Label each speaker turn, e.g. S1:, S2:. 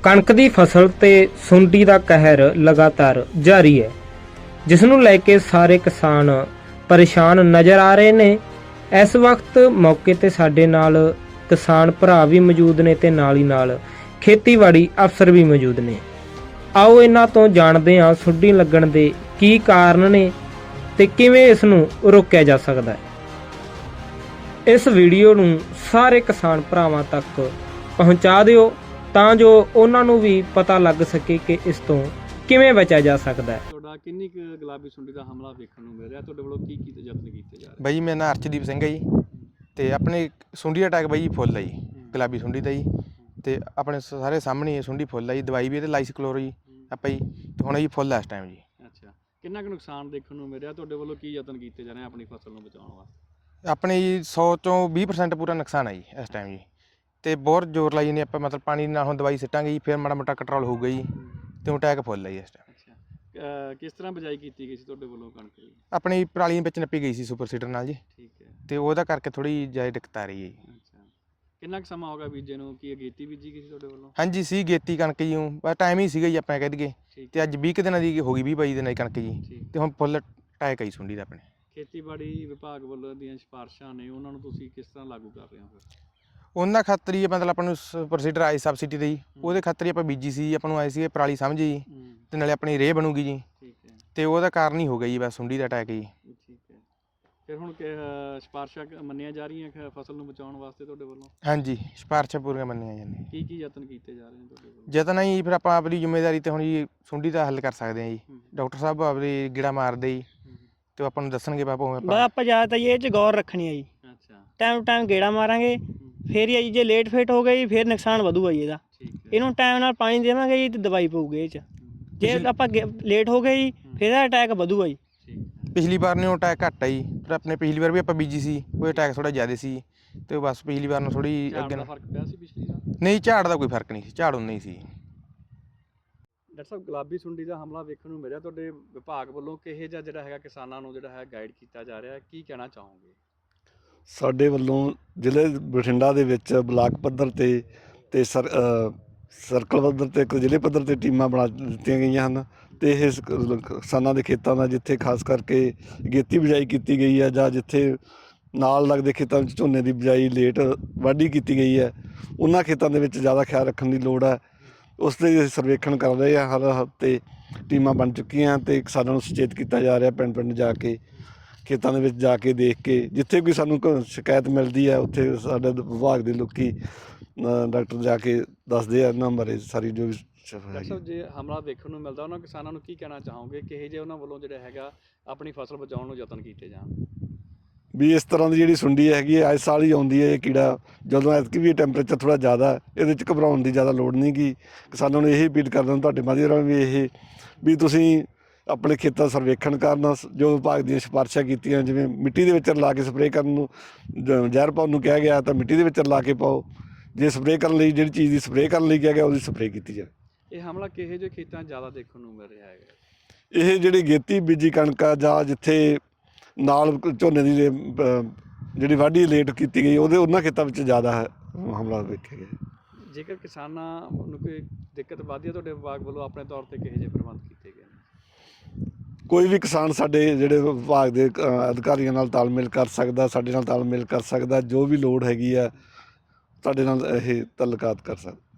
S1: ਕਣਕ ਦੀ ਫਸਲ ਤੇ ਸੁੰਡੀ ਦਾ ਕਹਿਰ ਲਗਾਤਾਰ ਜਾਰੀ ਹੈ, ਜਿਸ ਨੂੰ ਲੈ ਕੇ ਸਾਰੇ ਕਿਸਾਨ ਪਰੇਸ਼ਾਨ ਨਜ਼ਰ ਆ ਰਹੇ ਨੇ। ਇਸ ਵਕਤ ਮੌਕੇ ਤੇ ਸਾਡੇ ਨਾਲ ਕਿਸਾਨ ਭਰਾ ਵੀ ਮੌਜੂਦ ਨੇ ਤੇ ਨਾਲ ਹੀ ਨਾਲ ਖੇਤੀਬਾੜੀ ਅਫਸਰ ਵੀ ਮੌਜੂਦ ਨੇ। ਆਓ ਇਹਨਾਂ ਤੋਂ ਜਾਣਦੇ ਹਾਂ ਸੁੰਡੀ ਲੱਗਣ ਦੇ ਕੀ ਕਾਰਨ ਨੇ ਤੇ ਕਿਵੇਂ ਇਸ ਨੂੰ ਰੋਕਿਆ ਜਾ ਸਕਦਾ ਹੈ। ਇਸ ਵੀਡੀਓ ਨੂੰ ਸਾਰੇ ਕਿਸਾਨ ਭਰਾਵਾਂ ਤੱਕ ਪਹੁੰਚਾ ਦਿਓ ਤਾਂ ਜੋ ਉਹਨਾਂ ਨੂੰ ਵੀ ਪਤਾ ਲੱਗ ਸਕੇ ਕਿ ਇਸ ਤੋਂ ਕਿਵੇਂ ਬਚਿਆ ਜਾ ਸਕਦਾ ਹੈ।
S2: ਤੁਹਾਡਾ ਕਿੰਨੀ ਕੁ ਗੁਲਾਬੀ ਸੁੰਡੀ ਦਾ ਹਮਲਾ ਵੇਖਣ ਨੂੰ ਮਿਲ ਰਿਹਾ, ਤੁਹਾਡੇ ਵੱਲੋਂ ਕੀ ਯਤਨ ਕੀਤੇ ਜਾ ਰਹੇ?
S3: ਬਾਈ ਮੇਰਾ ਨਾਮ ਅਰਸ਼ਦੀਪ ਸਿੰਘ ਹੈ ਜੀ, ਤੇ ਆਪਣੇ ਸੁੰਡੀ ਅਟੈਕ ਬਾਈ ਫੁੱਲ ਹੈ ਜੀ, ਗੁਲਾਬੀ ਸੁੰਡੀ ਦਾ ਜੀ, ਤੇ ਆਪਣੇ ਸਾਰੇ ਸਾਹਮਣੇ ਇਹ ਸੁੰਡੀ ਫੁੱਲ ਹੈ ਜੀ। ਦਵਾਈ ਵੀ ਇਹਦੇ ਲਾਈ ਸੀ ਕਲੋਰ ਜੀ ਆਪਾਂ ਜੀ, ਤੇ ਹੁਣ ਜੀ ਫੁੱਲ ਹੈ ਇਸ ਟਾਈਮ ਜੀ।
S2: ਅੱਛਾ, ਕਿੰਨਾ ਕੁ ਨੁਕਸਾਨ ਦੇਖਣ ਨੂੰ ਮਿਲ ਰਿਹਾ, ਤੁਹਾਡੇ ਵੱਲੋਂ ਕੀ ਯਤਨ ਕੀਤੇ ਜਾ ਰਹੇ ਆਪਣੀ ਫਸਲ ਨੂੰ ਬਚਾਉਣ ਵਾਸਤੇ?
S3: ਆਪਣੇ ਜੀ 100 ਚੋਂ 20% ਪੂਰਾ ਨੁਕਸਾਨ ਹੈ ਜੀ ਇਸ ਟਾਈਮ ਜੀ, ਤੇ ਬਹੁਤ ਜ਼ੋਰ ਲਾਈ ਜਾਂਦੇ ਆਪਾਂ, ਮਤਲਬ ਪਾਣੀ ਨਾਲ ਹੁਣ ਦਵਾਈ ਸਿੱਟਾਂਗੇ ਜੀ, ਫਿਰ ਮਾੜਾ ਮੋਟਾ ਕੰਟਰੋਲ ਹੋਊਗਾ ਜੀ, ਤੇ ਅਟੈਕ ਫੁੱਲ ਹੈ ਜੀ ਇਸ ਟਾਈਮ।
S2: ਅੱਛਾ, ਕਿਸ ਤਰ੍ਹਾਂ ਬਿਜਾਈ ਕੀਤੀ ਗਈ ਸੀ ਤੁਹਾਡੇ ਵੱਲੋਂ ਕਣਕ ਦੀ?
S3: ਆਪਣੀ ਪਰਾਲੀ ਵਿੱਚ ਨੱਪੀ ਗਈ ਸੀ ਸੁਪਰ ਸੀਡਰ ਨਾਲ ਜੀ,
S2: ਠੀਕ ਹੈ,
S3: ਤੇ ਉਹਦਾ ਕਰਕੇ ਥੋੜੀ ਜ਼ਿਆਦਾ ਦਿੱਕਤ ਆ ਰਹੀ ਹੈ ਜੀ।
S2: ਅੱਛਾ, ਕਿੰਨਾ ਕੁ ਸਮਾਂ ਹੋ ਗਿਆ ਬੀਜੇ ਨੂੰ? ਕੀ ਅਗੇਤੀ ਬੀਜੀ ਗਈ ਸੀ ਤੁਹਾਡੇ ਵੱਲੋਂ?
S3: ਹਾਂਜੀ ਸੀ ਗੇਤੀ ਕਣਕ ਜੀ, ਬਸ ਟਾਈਮ ਹੀ ਸੀਗਾ ਜੀ ਆਪਾਂ ਕਹਿ ਦਈਏ, ਤੇ ਅੱਜ 20 ਦਿਨਾਂ ਦੀ ਹੋ ਗਈ 20-22 ਦਿਨਾਂ ਦੀ ਕਣਕ ਜੀ, ਤੇ ਹੁਣ ਫੁੱਲ ਅਟੈਕ ਆਈ ਸੁੰਡੀ ਦਾ ਆਪਣੇ।
S2: ਖੇਤੀਬਾੜੀ ਵਿਭਾਗ ਵੱਲੋਂ ਦੀਆਂ ਸਿਫਾਰਸ਼ਾਂ ਨੇ, ਉਹਨਾਂ ਨੂੰ ਤੁਸੀਂ ਕਿਸ ਤਰ੍ਹਾਂ ਲਾਗੂ ਕਰ ਰਹੇ ਹੋ ਫਿਰ?
S3: ਉਹਨਾਂ ਖਾਤਰ ਹੀ ਮਤਲਬ ਆਪਾਂ ਨੂੰ ਪ੍ਰੋਸੀਡਰ ਆਈ ਸਬਸਿਡੀ ਦੇ ਜੀ, ਉਹਦੇ ਖਾਤਰ ਹੀ ਆਪਾਂ ਬੀਜੀ ਸੀ, ਆਪਾਂ ਨੂੰ ਆਏ ਸੀ ਪਰਾਲੀ ਸਮਝੀ ਜੀ, ਤੇ ਨਾਲੇ ਆਪਣੀ ਰੇਹ ਬਣੂਗੀ ਜੀ, ਤੇ ਉਹਦਾ ਕਾਰਨ ਹੀ ਹੋ ਗਿਆ ਜੀ ਬਸ ਸੁੰਡੀ ਦਾ ਅਟੈਕ ਜੀ।
S2: ਠੀਕ ਹੈ, ਫਿਰ ਹੁਣ ਸਿਫਾਰਸ਼ਾਂ ਮੰਨੀਆਂ ਜਾ ਰਹੀਆਂ ਫਸਲ ਨੂੰ ਬਚਾਉਣ ਵਾਸਤੇ ਤੁਹਾਡੇ ਵੱਲੋਂ?
S3: ਹਾਂਜੀ, ਸਿਫਾਰਸ਼ਾਂ ਪੂਰੀਆਂ ਮੰਨੀਆਂ ਜਾਂਦੀਆਂ।
S2: ਕੀ ਯਤਨ ਕੀਤੇ ਜਾ ਰਹੇ ਨੇ ਤੁਹਾਡੇ ਵੱਲੋਂ?
S3: ਯਤਨ ਜੀ ਫਿਰ ਆਪਾਂ ਆਪਣੀ ਜ਼ਿੰਮੇਵਾਰੀ ਤੇ ਹੁਣ ਜੀ ਸੁੰਡੀ ਦਾ ਹੱਲ ਕਰ ਸਕਦੇ ਹਾਂ ਜੀ। ਡਾਕਟਰ ਸਾਹਿਬ ਆਪਣੀ ਗੇੜਾ ਮਾਰਦੇ ਜੀ, ਤੇ ਆਪਾਂ ਨੂੰ ਦੱਸਣਗੇ ਬਾਪੂ
S4: ਆਪਾਂ ਜ਼ਿਆਦਾਤਰ ਇਹ 'ਚ ਗੌਰ ਰੱਖਣੀ ਹੈ ਜੀ।
S2: ਅੱਛਾ,
S4: ਟਾਈਮ ਟੂ ਟਾਈਮ ਗੇੜਾ ਮਾਰਾਂਗੇ, ਫਿਰ ਹੀ ਆ ਜੀ। ਜੇ ਲੇਟ ਫੇਟ ਹੋ ਗਈ ਫਿਰ ਨੁਕਸਾਨ ਵਧੂਗਾ ਜੀ ਇਹਦਾ। ਇਹਨੂੰ ਟਾਈਮ ਨਾਲ ਪਾਣੀ ਦੇਵਾਂਗੇ ਜੀ, ਤੇ ਦਵਾਈ ਪਊਗੀ ਇਹ 'ਚ। ਜੇ ਆਪਾਂ ਲੇਟ ਹੋ ਗਏ ਜੀ, ਫਿਰ ਇਹਦਾ ਅਟੈਕ ਵਧੂਗਾ ਜੀ।
S3: ਪਿਛਲੀ ਵਾਰ ਨੇ ਅਟੈਕ ਘੱਟ ਆ ਜੀ, ਪਰ ਆਪਣੇ ਪਿਛਲੀ ਵਾਰ ਵੀ ਆਪਾਂ ਬੀਜੀ ਸੀ, ਉਹ ਅਟੈਕ ਥੋੜਾ ਜ਼ਿਆਦਾ ਸੀ, ਤੇ ਬਸ ਪਿਛਲੀ ਵਾਰ ਨੂੰ ਥੋੜੀ ਅੱਗੇ
S2: ਫਰਕ ਪਿਆ ਸੀ ਪਿਛਲੀ ਵਾਰ?
S3: ਨਹੀਂ, ਝਾੜ ਦਾ ਕੋਈ ਫਰਕ ਨਹੀਂ ਸੀ, ਝਾੜ ਉਨਾ ਹੀ ਸੀ।
S2: ਡਾਕਟਰ ਸਾਹਿਬ, ਗੁਲਾਬੀ ਸੁੰਡੀ ਦਾ ਹਮਲਾ ਵੇਖਣ ਨੂੰ ਮਿਲਿਆ, ਤੁਹਾਡੇ ਵਿਭਾਗ ਵੱਲੋਂ ਕਿਹੋ ਜਿਹਾ ਜਿਹੜਾ ਹੈਗਾ ਕਿਸਾਨਾਂ ਨੂੰ ਜਿਹੜਾ ਹੈ ਗਾਈਡ ਕੀਤਾ ਜਾ ਰਿਹਾ, ਕੀ ਕਹਿਣਾ ਚਾਹੋਗੇ?
S5: ਸਾਡੇ ਵੱਲੋਂ ਜ਼ਿਲ੍ਹੇ ਬਠਿੰਡਾ ਦੇ ਵਿੱਚ ਬਲਾਕ ਪੱਧਰ ਤੇ ਸਰਕਲ ਪੱਧਰ ਤੇ ਇੱਕ ਜ਼ਿਲ੍ਹੇ ਪੱਧਰ ਤੇ ਟੀਮਾਂ ਬਣਾ ਦਿੱਤੀਆਂ ਗਈਆਂ ਹਨ, ਤੇ ਇਹ ਕਿਸਾਨਾਂ ਦੇ ਖੇਤਾਂ ਦਾ ਜਿੱਥੇ ਖਾਸ ਕਰਕੇ ਅਗੇਤੀ ਬਿਜਾਈ ਕੀਤੀ ਗਈ ਹੈ, ਜਾਂ ਜਿੱਥੇ ਨਾਲ ਲੱਗਦੇ ਖੇਤਾਂ ਵਿੱਚ ਝੋਨੇ ਦੀ ਬਿਜਾਈ ਲੇਟ ਵਾਢੀ ਕੀਤੀ ਗਈ ਹੈ, ਉਹਨਾਂ ਖੇਤਾਂ ਦੇ ਵਿੱਚ ਜ਼ਿਆਦਾ ਖਿਆਲ ਰੱਖਣ ਦੀ ਲੋੜ ਹੈ। ਉਸ ਦੇ ਸਰਵੇਖਣ ਕਰ ਰਹੇ ਆ, ਹਰ ਹਫ਼ਤੇ ਟੀਮਾਂ ਬਣ ਚੁੱਕੀਆਂ, ਤੇ ਕਿਸਾਨਾਂ ਨੂੰ ਸੁਚੇਤ ਕੀਤਾ ਜਾ ਰਿਹਾ ਪਿੰਡ ਪਿੰਡ ਜਾ ਕੇ, ਖੇਤਾਂ ਦੇ ਵਿੱਚ ਜਾ ਕੇ ਦੇਖ ਕੇ, ਜਿੱਥੇ ਕੋਈ ਸਾਨੂੰ ਸ਼ਿਕਾਇਤ ਮਿਲਦੀ ਹੈ ਉੱਥੇ ਸਾਡੇ ਵਿਭਾਗ ਦੇ ਲੋਕੀ ਡਾਕਟਰ ਜਾ ਕੇ ਦੱਸਦੇ ਆ ਇਹਨਾਂ ਬਾਰੇ ਸਾਰੀ ਜੋ ਵੀ।
S2: ਡਾਕਟਰ ਸਾਹਿਬ, ਜੇ ਹਮਲਾ ਵੇਖਣ ਨੂੰ ਮਿਲਦਾ, ਉਹਨਾਂ ਕਿਸਾਨਾਂ ਨੂੰ ਕੀ ਕਹਿਣਾ ਚਾਹੋਗੇ, ਕਿਹੋ ਜਿਹੇ ਉਹਨਾਂ ਵੱਲੋਂ ਜਿਹੜਾ ਹੈਗਾ ਆਪਣੀ ਫਸਲ ਬਚਾਉਣ ਨੂੰ ਯਤਨ ਕੀਤੇ ਜਾਣ?
S5: ਵੀ ਇਸ ਤਰ੍ਹਾਂ ਦੀ ਜਿਹੜੀ ਸੁੰਡੀ ਹੈਗੀ ਹੈ ਇਸ ਸਾਲ ਹੀ ਆਉਂਦੀ ਹੈ ਇਹ ਕੀੜਾ, ਜਦੋਂ ਐਤਕੀ ਵੀ ਟੈਂਪਰੇਚਰ ਥੋੜ੍ਹਾ ਜ਼ਿਆਦਾ, ਇਹਦੇ 'ਚ ਘਬਰਾਉਣ ਦੀ ਜ਼ਿਆਦਾ ਲੋੜ ਨਹੀਂ ਗੀ। ਕਿਸਾਨਾਂ ਨੂੰ ਇਹ ਅਪੀਲ ਕਰਦਾ ਤੁਹਾਡੇ ਮਾਧਿਅਮ ਰਾਹੀਂ ਵੀ ਤੁਸੀਂ ਆਪਣੇ ਖੇਤਾਂ ਸਰਵੇਖਣ ਕਰਨ, ਜੋ ਵਿਭਾਗ ਦੀਆਂ ਸਿਫਾਰਸ਼ਾਂ ਕੀਤੀਆਂ, ਜਿਵੇਂ ਮਿੱਟੀ ਦੇ ਵਿੱਚ ਰਲਾ ਕੇ ਸਪਰੇਅ ਕਰਨ ਨੂੰ ਜ਼ਹਿਰ ਪਾਉਣ ਨੂੰ ਕਿਹਾ ਗਿਆ, ਤਾਂ ਮਿੱਟੀ ਦੇ ਵਿੱਚ ਰਲਾ ਕੇ ਪਾਓ। ਜੇ ਸਪਰੇਅ ਕਰਨ ਲਈ ਜਿਹੜੀ ਚੀਜ਼ ਦੀ ਸਪਰੇਅ ਕਰਨ ਲਈ ਕਿਹਾ ਗਿਆ, ਉਹਦੀ ਸਪਰੇਅ ਕੀਤੀ ਜਾਵੇ।
S2: ਇਹ ਹਮਲਾ ਕਿਹੋ ਜਿਹੇ ਖੇਤਾਂ ਜ਼ਿਆਦਾ ਦੇਖਣ ਨੂੰ ਮਿਲ ਰਿਹਾ ਹੈਗਾ?
S5: ਇਹ ਜਿਹੜੀ ਗੇਤੀ ਬੀਜੀ ਕਣਕ ਆ, ਜਾਂ ਜਿੱਥੇ ਨਾਲ ਝੋਨੇ ਦੀ ਜਿਹੜੀ ਵਾਢੀ ਲੇਟ ਕੀਤੀ ਗਈ, ਉਹਨਾਂ ਖੇਤਾਂ ਵਿੱਚ ਜ਼ਿਆਦਾ ਹਮਲਾ ਵੇਖਿਆ ਗਿਆ।
S2: ਜੇਕਰ ਕਿਸਾਨਾਂ ਨੂੰ ਕੋਈ ਦਿੱਕਤ ਵੱਧਦੀ ਹੈ, ਤੁਹਾਡੇ ਵਿਭਾਗ ਵੱਲੋਂ ਆਪਣੇ ਤੌਰ 'ਤੇ ਕਿਹੋ ਜਿਹੇ ਪ੍ਰਬੰਧ ਕੀਤੇ ਗਏ ਨੇ?
S5: ਕੋਈ ਵੀ ਕਿਸਾਨ ਸਾਡੇ ਜਿਹੜੇ ਵਿਭਾਗ ਦੇ ਅਧਿਕਾਰੀਆਂ ਨਾਲ ਤਾਲਮੇਲ ਕਰ ਸਕਦਾ, ਸਾਡੇ ਨਾਲ ਤਾਲਮੇਲ ਕਰ ਸਕਦਾ, ਜੋ ਵੀ ਲੋੜ ਹੈਗੀ ਆ ਸਾਡੇ ਨਾਲ ਇਹ ਤਾਲੁਕਾਤ ਕਰ ਸਕਦਾ।